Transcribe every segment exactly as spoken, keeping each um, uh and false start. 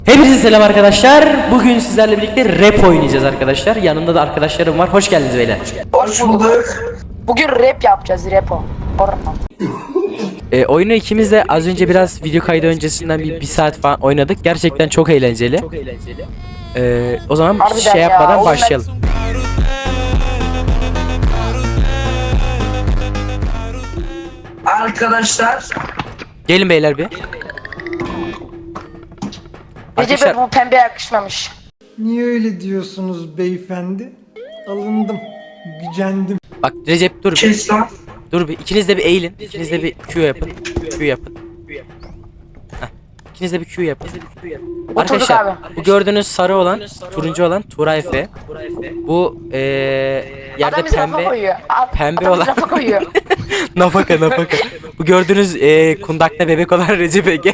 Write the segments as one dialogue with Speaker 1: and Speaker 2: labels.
Speaker 1: Hepinize selam arkadaşlar. Bugün sizlerle birlikte rap oynayacağız arkadaşlar. Yanımda da arkadaşlarım var. Hoş geldiniz beyler.
Speaker 2: Hoş bulduk. Bugün rap yapacağız, rapo.
Speaker 1: Ee, oyunu ikimiz de az önce biraz video kaydı öncesinden bir, bir saat falan oynadık. Gerçekten çok eğlenceli. Ee, o zaman
Speaker 2: Harbiden
Speaker 1: şey
Speaker 2: ya,
Speaker 1: yapmadan
Speaker 2: oğlum ben-
Speaker 1: başlayalım.
Speaker 2: Arkadaşlar.
Speaker 1: Gelin beyler bir.
Speaker 2: Recep'e
Speaker 1: Arkadaşlar
Speaker 2: bu pembe yakışmamış.
Speaker 3: Niye öyle diyorsunuz beyefendi? Alındım, gücendim.
Speaker 1: bak Recep dur bir.
Speaker 2: Kes lan.
Speaker 1: Dur bir. İkiniz de bir eğilin. İkiniz de bir Q yapın. Q yapın. Heh. İkiniz de bir Q yapın. Arkadaşlar
Speaker 2: abi.
Speaker 1: bu gördüğünüz sarı olan, turuncu olan Turay Efe. Bu eee yerde
Speaker 2: Adam bizi rafa
Speaker 1: pembe
Speaker 2: koyuyor. Ad-
Speaker 1: pembe
Speaker 2: adam bizi
Speaker 1: olan
Speaker 2: rafa koyuyor.
Speaker 1: nafaka nafaka. Bu gördüğünüz eee kundakta bebek olan Recep Ege.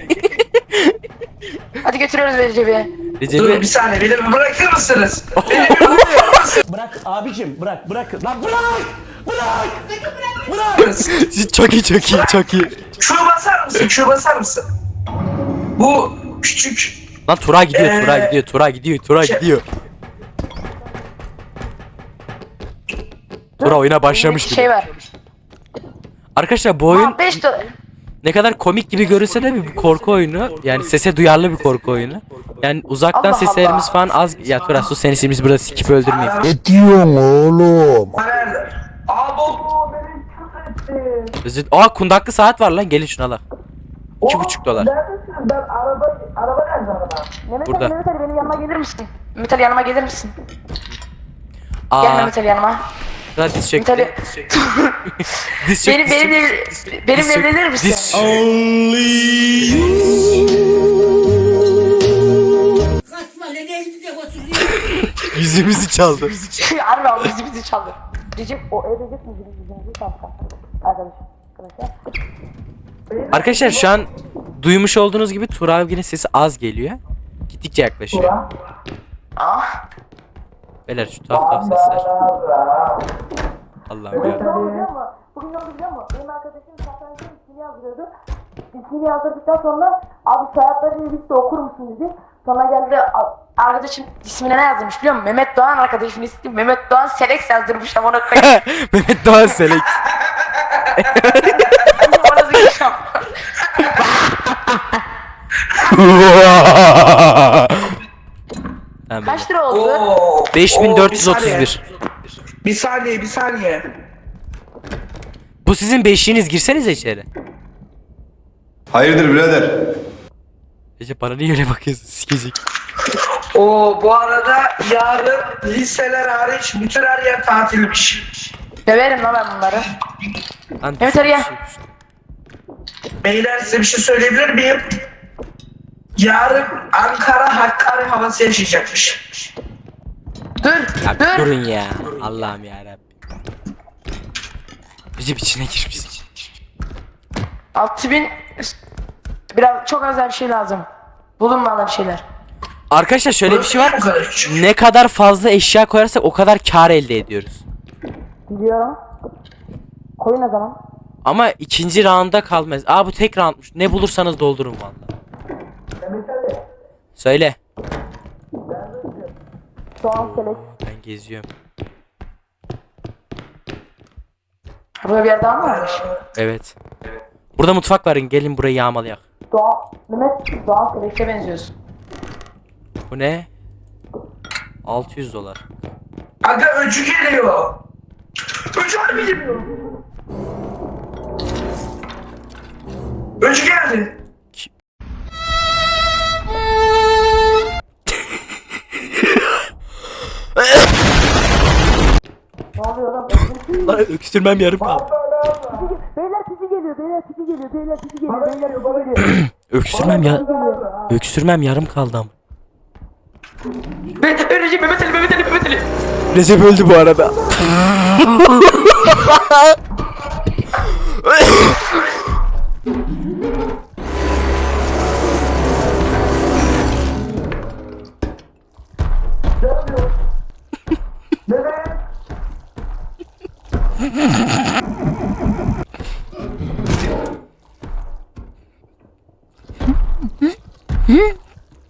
Speaker 2: Hadi götürüyoruz Recep'i.
Speaker 1: Recep'i
Speaker 4: Dur bir saniye beni bir bırakır mısınız?
Speaker 5: Bırak abicim bırak bırak lan bırak bırak bırak
Speaker 1: çok iyi çok iyi çok iyi.
Speaker 4: Q basar mısın? Q basar mısın? Bu küçük
Speaker 1: Lan Tura gidiyor
Speaker 4: Ee,
Speaker 1: Tura gidiyor Tura gidiyor Tura
Speaker 4: şey-
Speaker 1: gidiyor. Tura oyuna başlamış
Speaker 2: Şey
Speaker 1: bile.
Speaker 2: var.
Speaker 1: Arkadaşlar bu oyun
Speaker 2: beş dolar.
Speaker 1: ne kadar komik gibi görünse de bir korku oyunu. Yani sese duyarlı bir korku oyunu. Yani uzaktan
Speaker 2: Allah
Speaker 1: seslerimiz
Speaker 2: Allah.
Speaker 1: falan az. Ya Tura sus seni şimdi biz burada sikip öldürmeyeyim.
Speaker 4: nerede? Aa bu
Speaker 1: Özür- Aa kundaklı saat var lan gelin şuna la. İki buçuk dolar.
Speaker 4: Neredesin? Ben araba araba nerede araba?
Speaker 2: Mehmet
Speaker 1: Burada.
Speaker 2: Ali, Mehmet Ali benim yanıma gelir misin? Mehmet Ali yanıma gelir misin? Gel
Speaker 1: Aa
Speaker 2: Mehmet Ali yanıma.
Speaker 1: Tura diz
Speaker 2: Mehmet Ali.
Speaker 1: çekti. Diz çekti.
Speaker 2: Benim, benimle, benimle
Speaker 1: çek-
Speaker 2: evlenir misin?
Speaker 1: diz-
Speaker 6: Kaçma ne geldi de oturuyor.
Speaker 1: Yüzümüzü çaldı.
Speaker 2: Harbi abi bizi bizi çaldı. Recep o ev Recep mi? Recep mi? Kanka. Arkadaş. Arkadaşlar.
Speaker 1: Arkadaşlar şu an duymuş olduğunuz gibi Tura abinin sesi az geliyor. Gittikçe yaklaşıyor.
Speaker 2: Ah.
Speaker 1: Beyler şu tuhaf tuhaf sesler. Allah'ım ya.
Speaker 2: Ne oldu biliyor musun? Bugün ne oldu biliyor musun? Benim arkadaşım satrançta ismini yazdırıyordu. İsmini yazdırdıktan sonra abi soyadlarını birlikte okur musun dedi. Sonra geldi a- arkadaşım ismine ne yazmış biliyor musun? Mehmet Doğan arkadaşımın ismi Mehmet Doğan Selex yazdırmış ama ona koyayım.
Speaker 1: Mehmet Doğan Selek.
Speaker 2: Ona zıkışam.
Speaker 1: Tamam,
Speaker 2: Kaç lira oldu?
Speaker 4: Oo.
Speaker 1: beş bin dört yüz
Speaker 4: Oo,
Speaker 1: otuz bir.
Speaker 4: Bir saniye bir saniye.
Speaker 1: Bu sizin beşiğiniz, girsenize içeri.
Speaker 7: Hayırdır birader?
Speaker 1: Recep bana niye öyle bakıyorsun sikecek.
Speaker 4: Oo bu arada yarın liseler hariç bütün her yer tatilmiş.
Speaker 2: Döverim lan ben bunları.
Speaker 1: Lan
Speaker 2: Mehmet Ali gel.
Speaker 1: düştü, düştü.
Speaker 4: Beyler size bir şey söyleyebilir miyim? Yarın Ankara Hakkari havası yaşayacakmış.
Speaker 2: Dur,
Speaker 1: Ya
Speaker 2: dur.
Speaker 1: durun ya. Allah'ım ya Rabbim. Recep içine girmiş.
Speaker 2: altı bin biraz çok az daha bir şey lazım. Bulunmalı bir şeyler.
Speaker 1: Arkadaşlar şöyle bir şey var.
Speaker 4: Bu kadar küçük.
Speaker 1: Ne kadar fazla eşya koyarsak o kadar kar elde ediyoruz.
Speaker 2: Biliyorum. Koyun o zaman.
Speaker 1: Ama ikinci rounda kalmaz. Aa bu tek roundmuş. Ne bulursanız doldurun vallahi. Söyle.
Speaker 2: Soğan selek.
Speaker 1: Ben geziyorum.
Speaker 2: Burada bir yer daha mı varmış?
Speaker 1: Evet. Burada mutfak var. Gelin burayı yağmalayak.
Speaker 2: Doğan, Mehmet Doğan selekte benziyorsun.
Speaker 1: Bu ne? altı yüz dolar.
Speaker 4: Aga öcü geliyor. Öcü harbi geliyor. Öcü geldi.
Speaker 2: Ne oluyor lan?
Speaker 1: Lan öksürmem yarım kaldı.
Speaker 2: Beyler pisi geliyor, beyler pisi geliyor, beyler pisi geliyor, beyler pisi geliyor.
Speaker 1: Öksürmem ya. Öksürmem yarım kaldı ama.
Speaker 2: Ben Recep Mehmet Ali, Mehmet Ali, Mehmet Ali.
Speaker 1: Recep öldü bu arada.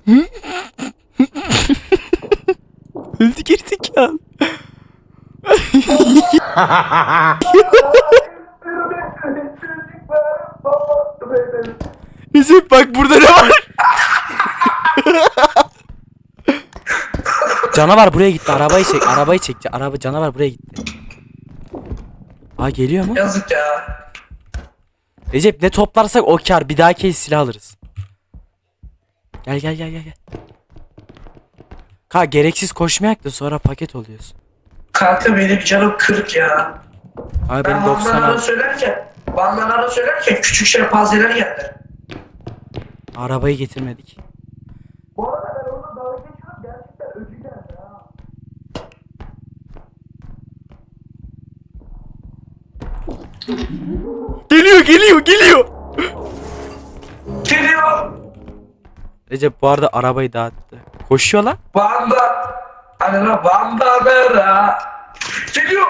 Speaker 1: Öldü gerizekalı. Recep bak burada ne var? Canavar buraya gitti. Arabayı çek. Arabayı çek. Araba canavar buraya gitti. Aa geliyor mu?
Speaker 4: Yazık ya.
Speaker 1: Recep ne toplarsak o kar. Bir daha kez silah alırız. Gel gel gel gel gel. Ka gereksiz koşmayak da sonra paket oluyorsun.
Speaker 4: Kanka benim canım kırk ya.
Speaker 1: Abi
Speaker 4: Ben
Speaker 1: benim doksan
Speaker 4: bandanara
Speaker 1: al.
Speaker 4: söylerken, bandanara söylerken küçük şempanzeler geldi.
Speaker 1: Arabayı getirmedik.
Speaker 4: Bu arada ben orada dalga geçiyorum, gerçekten öcü geldi ha.
Speaker 1: Geliyor geliyor geliyor.
Speaker 4: Geliyor.
Speaker 1: Recep bu arada arabayı dağıttı. Koşuyor lan.
Speaker 4: Banda. Hani lan bandanara. Geliyor.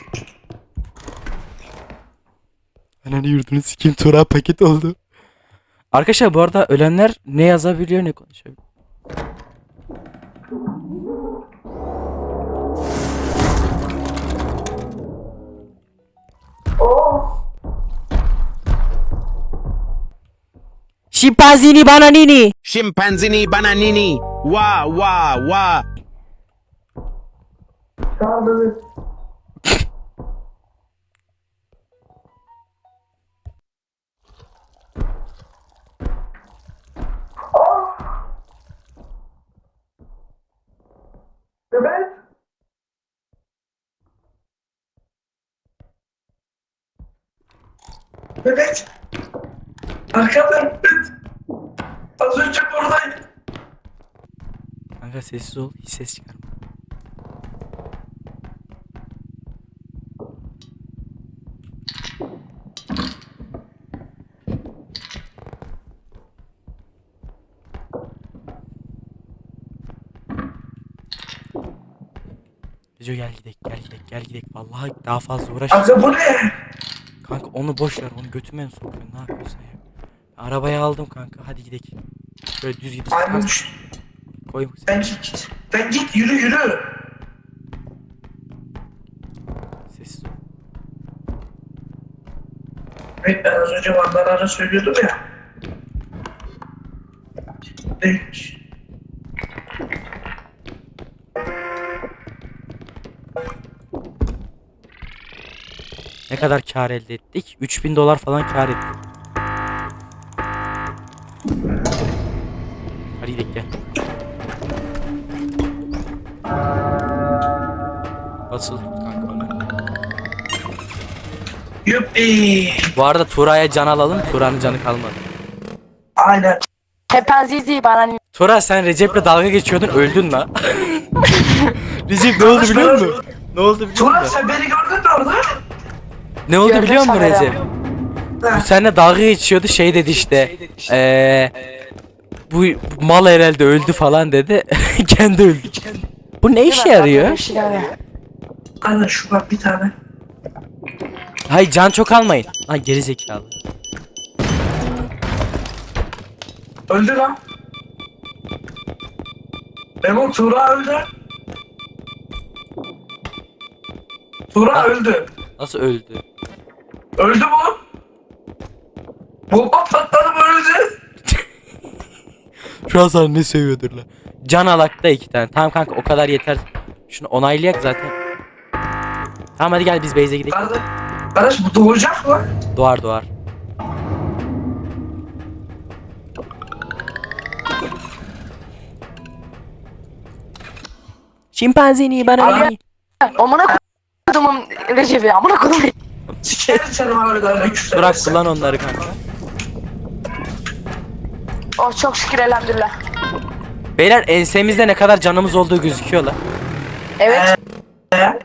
Speaker 1: Ananı yurdunu sikeyim Tura paket oldu. Arkadaşlar bu arada ölenler ne yazabiliyor ne konuşabiliyor. Şimpanzini bananini.
Speaker 7: Scimpanzini bananini. Wa wa wa.
Speaker 4: Tamam evet. Evet. Evet. Arkada evet. Az önce buradaydı.
Speaker 1: Kanka sessiz ol hiç ses çıkarma. Reco gel gidek gel gidek gel gidek vallahi daha fazla uğraş.
Speaker 4: Kanka bu ne?
Speaker 1: Kanka onu boş ver onu götüme mi sokuyorsun ne yapıyorsun ya? Arabayı aldım kanka hadi gidek. Böyle düz gidek.
Speaker 4: Aymış.
Speaker 1: Koy.
Speaker 4: Ben git. Ben git yürü yürü.
Speaker 1: Sessiz ol.
Speaker 4: Evet ben az önce bandalara söylüyordum ya. Değilmiş.
Speaker 1: Ne kadar kar elde ettik? üç bin dolar falan kar ettik. Hadi gidelim gel. Basıl tut kanka onu.
Speaker 4: Yuppi.
Speaker 1: Bu arada Tura'ya can alalım. Tura'nın canı kalmadı.
Speaker 4: Aynen.
Speaker 2: Şempanzizi bananini.
Speaker 1: Tura sen Recep'le dalga geçiyordun öldün la. Recep ne oldu biliyor musun? Ne oldu biliyor
Speaker 4: Turan
Speaker 1: musun?
Speaker 4: sen beni gördün mü orada?
Speaker 1: Ne oldu
Speaker 2: Gördüm
Speaker 1: biliyor musun
Speaker 2: sana
Speaker 1: Recep? Bu seninle dalga geçiyordu şey dedi işte. Eee bu, bu mal herhalde öldü falan dedi. Kendi öldü. Bu ne işe yarıyor?
Speaker 4: Aynen şu bak bir tane.
Speaker 1: Hayır can çok almayın. Lan geri zekalı.
Speaker 4: Öldü lan. Memo Tuğra öldü. Tuğra
Speaker 1: Ha.
Speaker 4: öldü.
Speaker 1: Nasıl öldü?
Speaker 4: Öldü mu? Bomba patladı mı öldü?
Speaker 1: Şu an sana ne seviyordur la. Can alakta iki tane. Tamam kanka o kadar yeter. Şunu onaylayak zaten. Tamam hadi gel biz base'e gidelim.
Speaker 4: Kardeş, kardeş bu doğacak mı?
Speaker 1: Doğar doğar. Şimpanzini bana
Speaker 2: Abi- Amına kodumun Recep'i amına kodum.
Speaker 4: Sikerim seni bana öyle öyle küfür
Speaker 1: Bırak
Speaker 4: edersen.
Speaker 1: kullan onları kanka.
Speaker 2: Oh çok şükür elhamdülillah.
Speaker 1: Beyler ensemizde ne kadar canımız olduğu gözüküyor la.
Speaker 2: Evet.
Speaker 4: He?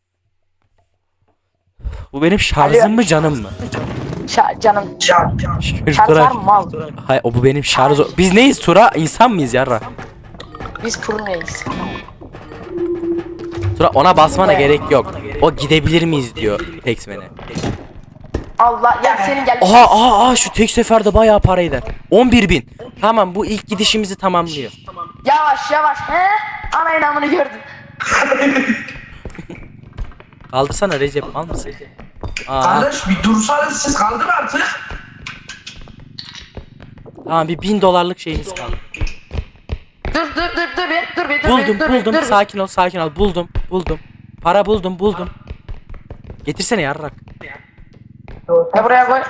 Speaker 1: Bu benim şarjım mı canım mı?
Speaker 2: Şa- canım.
Speaker 4: Can can.
Speaker 1: Şükür
Speaker 2: Şartlar
Speaker 1: Tura.
Speaker 2: mı mal?
Speaker 1: Hayır o bu benim şarj. Biz neyiz Tura? İnsan mıyız yarra?
Speaker 2: Biz purneyiz.
Speaker 1: Tura ona basmana gerek yok. O gidebilir miyiz diyor Texman'e.
Speaker 2: Allah ya senin gel.
Speaker 1: Aha aha aha şu tek seferde bayağı para eder. on bir bin. Tamam bu ilk gidişimizi tamamlıyor.
Speaker 2: Yavaş yavaş he? Ana inamını gördün.
Speaker 1: Kaldırsana Recep, mal mısın? Aa,
Speaker 4: Kardeş bir dursanız siz kaldır artık.
Speaker 1: tamam bir bin dolarlık şeyimiz kaldı.
Speaker 2: Dur dur dur dur bir dur bir dur
Speaker 1: Buldum
Speaker 2: bir, dur bir,
Speaker 1: buldum
Speaker 2: dur bir.
Speaker 1: sakin ol sakin ol buldum buldum. Para buldum buldum. Getirsene yarrak.
Speaker 2: Ya buraya koy.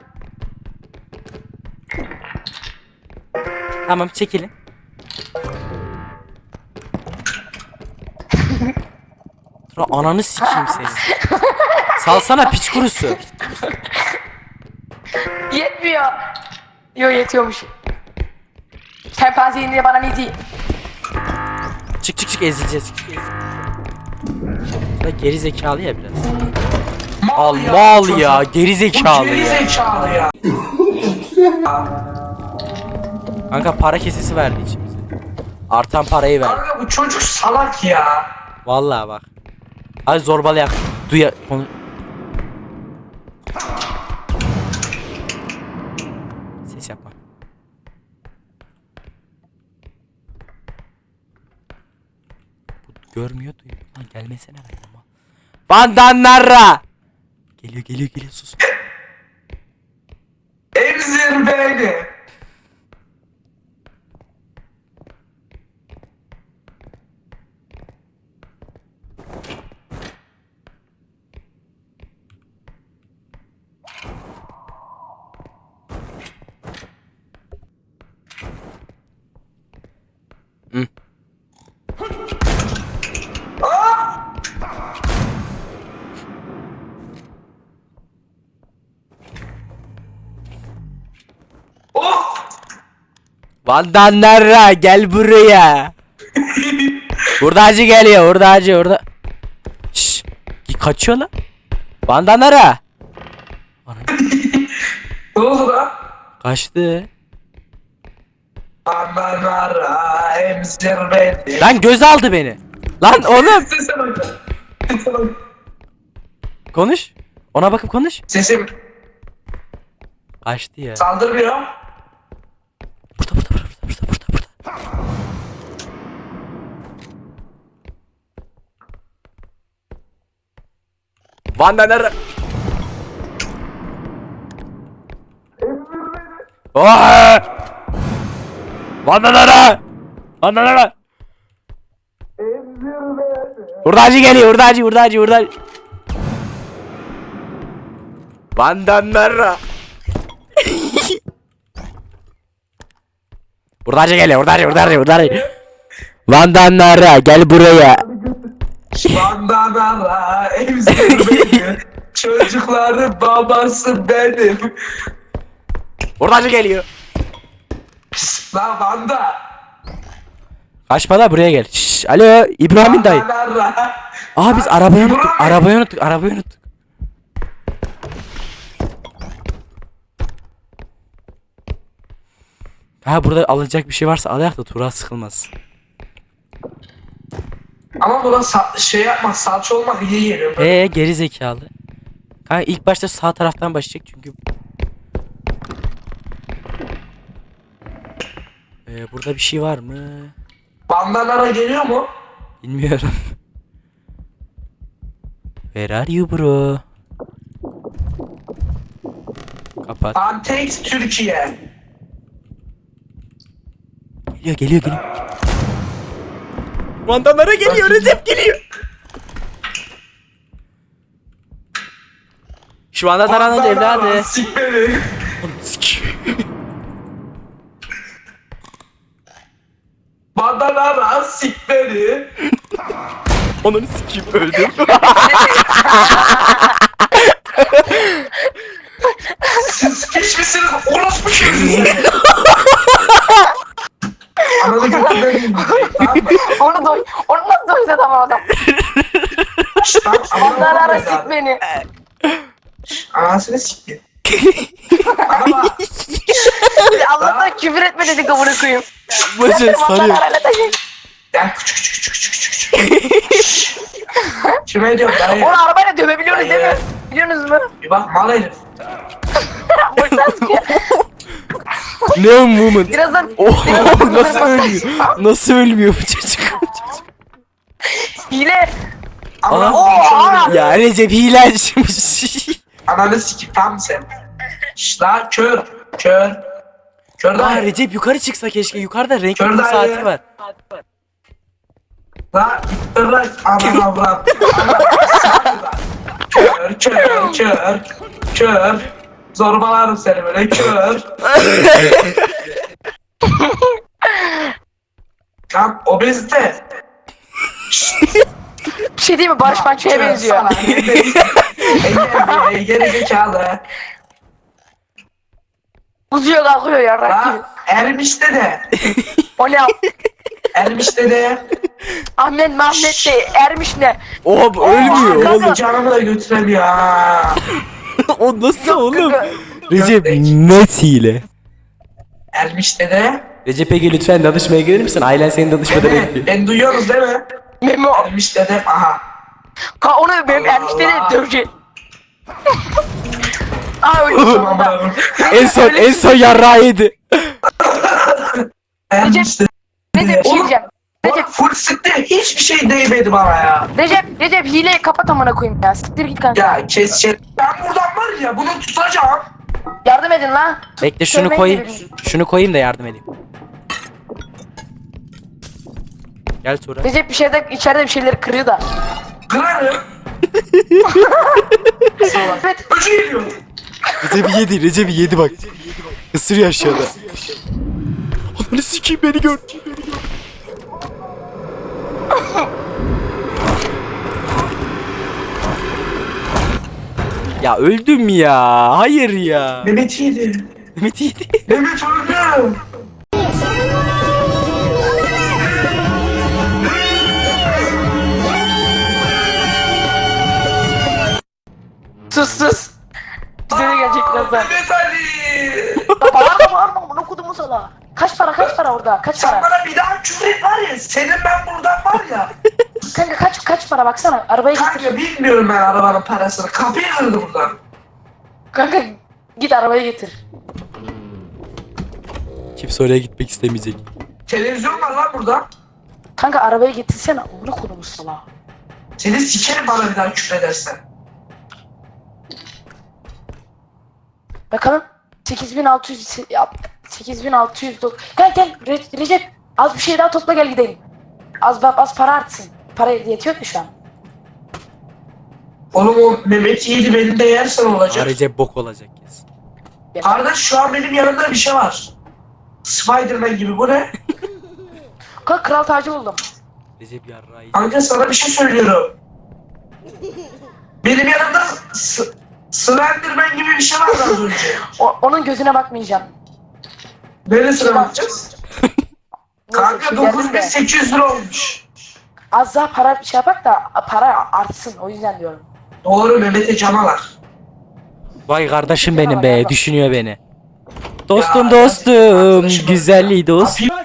Speaker 1: Tamam çekilin. Tura ananı sikeyim seni. Salsana piç kurusu.
Speaker 2: Yetmiyor. Yo yetiyormuş. Şempanze indi bana ne diyeyim?
Speaker 1: Çık çık çık ezileceğiz. Tura geri zekalı ya biraz. Al mal ya geri
Speaker 4: Bu
Speaker 1: zekalı
Speaker 4: geri
Speaker 1: ya.
Speaker 4: zekalı ya.
Speaker 1: Kanka para kesesi verdi içimize. Artan parayı ver.
Speaker 4: Kanka bu çocuk salak ya.
Speaker 1: Vallahi bak. Hadi zorbalayak. Duya konu. Ses yapma. Bu görmüyor duyuyor. Lan gelmesene lan. Bandanlara. Geliyor geliyor geliyor sus.
Speaker 4: Emzir beni.
Speaker 1: Hı.
Speaker 4: Oh!
Speaker 1: Bandanlara gel buraya. Hurdacı geliyor hurdacı hurda. Şşş. Kaçıyor lan. Bandanlara.
Speaker 4: Ne oldu lan?
Speaker 1: Kaçtı.
Speaker 4: Ananara emzir beni.
Speaker 1: Lan göz aldı beni. Lan oğlum.
Speaker 4: Sese bak. Sese bak.
Speaker 1: Konuş. Ona bakıp konuş.
Speaker 4: Sesim
Speaker 1: Kaçtı ya.
Speaker 4: saldırmıyor.
Speaker 1: Burada burada burada burada burada burada. Bandanara. Oha! Bandanara. Bandanara. Hurdacı geliyor hurdacı hurdacı hurdacı. Bandanara. Hurdacı geliyor hurdacı hurdacı hurdacı. Bandanara gel buraya.
Speaker 4: Bandanara emzir beni. Çocukların babası benim.
Speaker 1: Hurdacı geliyor.
Speaker 4: Şşt, lan Vanda.
Speaker 1: Kaçma da buraya gel. Şşş, alo İbrahim'in dayı.
Speaker 4: Bandanara.
Speaker 1: Aa biz arabayı unuttuk.
Speaker 4: İbrahim.
Speaker 1: Arabayı unuttuk. Arabayı unuttuk. Ha burada alacak bir şey varsa alayak da Tuğra sıkılmaz.
Speaker 4: Ama buna sa- şey yapmak, salça olmak iyi geliyor.
Speaker 1: Ee geri zekalı. Kanka ilk başta sağ taraftan başlayacak çünkü. Ee, burada bir şey var mı?
Speaker 4: Bandanara geliyor mu?
Speaker 1: Bilmiyorum. Where are you bro? Kapat.
Speaker 4: Antex Türkiye.
Speaker 1: Geliyor geliyor geliyor. Vandanlara geliyor Recep geliyor. Şu anda taranın evladı.
Speaker 4: Sik beni. Bandanara sik beni.
Speaker 1: Onları sikeyim öldüm.
Speaker 4: Siz geçmişsiniz orospu çocuğu. Ananı götürden gidecek, tamam mı?
Speaker 2: Onu doy. Onu nasıl doysa tamam adam.
Speaker 4: Şşt lan,
Speaker 2: Onlar ara
Speaker 4: ananı
Speaker 2: sik beni.
Speaker 4: Anasını sikti. Ama
Speaker 2: Allah'tan küfür etme dedik amına koyayım.
Speaker 1: Başım sarıyor.
Speaker 2: Onlar ara taşıyın.
Speaker 4: ya küçük küçük küçük küçük küçük. Kime diyorum dayı?
Speaker 2: Onu arabayla dövebiliyoruz değil mi? Biliyorsunuz mu?
Speaker 4: Bir bak mal herif.
Speaker 2: Boştan sıkıyor.
Speaker 1: Ne moment?
Speaker 2: Birazdan
Speaker 1: Oh, nasıl ölmüyor? Nasıl ölmüyor bu çocuk?
Speaker 2: hile.
Speaker 4: Ama
Speaker 2: Aa!
Speaker 1: Ya Recep hilecimiş.
Speaker 4: ananı sikip tam sen. Şşş la kör. Kör. Kör
Speaker 1: Aa
Speaker 4: dayı.
Speaker 1: Recep yukarı çıksa keşke. Yukarıda renkli
Speaker 4: Kör
Speaker 1: kum
Speaker 4: dayı.
Speaker 1: saati var.
Speaker 4: La ittir lan. Aman avram. Kör kör kör. Kör. Zorbalarım seni böyle kör. Tam obezite.
Speaker 2: Bir şey değil mi? Barış Manço'ya benziyor.
Speaker 4: Engel geri zekalı.
Speaker 2: Uzuyor kalkıyor ya.
Speaker 4: La Ermiş'te de.
Speaker 2: O ne?
Speaker 4: Ermiş'te de.
Speaker 2: Ahmet Mehmet de ermiş ne?
Speaker 1: Oha bu ölmüyor
Speaker 2: kanka.
Speaker 1: oğlum.
Speaker 4: Canımı da götüremiyor ha.
Speaker 1: O nasıl
Speaker 2: Yok,
Speaker 1: oğlum?
Speaker 2: kanka.
Speaker 1: Recep net hile.
Speaker 4: Ermiş'te de.
Speaker 1: Recep Ege lütfen danışmaya gelir misin? Ailen seni danışmada bekliyor.
Speaker 4: Ben duyuyorsunuz değil mi?
Speaker 2: Memo.
Speaker 4: Ermiş'te de. Aha.
Speaker 2: Ka onu benim
Speaker 4: Allah
Speaker 2: ermişte de
Speaker 4: Allah.
Speaker 2: dövecek. Aa öyle sonunda.
Speaker 1: En son en son yarrağı yedi.
Speaker 4: Ermiş'te
Speaker 2: Recep bir şey diyeceğim.
Speaker 4: Recep
Speaker 2: Recep,
Speaker 4: full sıktı. Hiçbir şey değmedi bana ya.
Speaker 2: Recep, Recep hileyi kapat amına koyayım ya. Siktir git kanka.
Speaker 4: Ya kes kes. Ben buradan var ya bunu tutacağım.
Speaker 2: Yardım edin lan.
Speaker 1: Bekle şunu
Speaker 2: Sevmeyi
Speaker 1: koyayım.
Speaker 2: de bilmiyorum.
Speaker 1: Şunu koyayım da yardım edeyim. Gel Tuğra.
Speaker 2: Recep bir şeyde içeride bir şeyleri kırıyor da.
Speaker 4: Kırarım.
Speaker 2: Evet.
Speaker 4: Öcü geliyor.
Speaker 1: Recep'i yedi, Recep'i yedi bak. Isırıyor aşağıda. Ananı sikeyim beni gör. Ya öldüm ya. Hayır ya.
Speaker 4: Mehmet yedi.
Speaker 1: Mehmet yedi.
Speaker 4: Mehmet öldü.
Speaker 2: Sus sus. Bize de gelecek birazdan.
Speaker 4: Mehmet Ali.
Speaker 2: Bağırma bağırma bunu okudumu sana. Kaç para kaç para orada? Kaç
Speaker 4: Sen
Speaker 2: para?
Speaker 4: bana bir daha küfür et var ya. Senin ben buradan var ya.
Speaker 2: Kanka kaç kaç para baksana. Arabayı getir.
Speaker 4: Kanka bilmiyorum ben arabanın parasını. Kapıyı kırdı buradan.
Speaker 2: Kanka git arabayı getir.
Speaker 1: Kimse oraya gitmek istemeyecek.
Speaker 4: Televizyon var lan burada.
Speaker 2: Kanka arabayı getirsene. Bunu kodumu sana.
Speaker 4: Seni sikerim bana bir daha küfür edersen.
Speaker 2: Bakalım. sekiz bin altı yüz ya, sekiz bin altı yüz dok- Gel gel Re- Recep az bir şey daha topla gel gidelim. Az az para artsın. Para yetiyor mu şu an?
Speaker 4: Oğlum o Mehmet yedi benim de yersen
Speaker 1: Aa,
Speaker 4: olacak.
Speaker 1: Recep bok olacak kesin.
Speaker 4: Kardeş şu an benim yanımda bir şey var. Spiderman gibi bu ne?
Speaker 2: Kanka kral tacı buldum.
Speaker 1: Recep yarrağı yedi.
Speaker 4: Kanka sana bir şey söylüyorum. Benim yanımda S- Slenderman gibi bir şey var az önce.
Speaker 2: O- onun gözüne bakmayacağım.
Speaker 4: Neresine bakacağız?
Speaker 2: Neyse,
Speaker 4: Kanka
Speaker 2: şey geldim
Speaker 4: dokuz bin
Speaker 2: de.
Speaker 4: sekiz yüz lira olmuş.
Speaker 2: Az daha para şey yapak da para artsın o yüzden diyorum.
Speaker 4: Doğru Mehmet'e canalar.
Speaker 1: Vay kardeşim benim be. Düşünüyor beni. Dostum
Speaker 4: Ya,
Speaker 1: dostum.
Speaker 4: arkadaşım,
Speaker 1: Güzelliği dost.
Speaker 4: Kapıyı-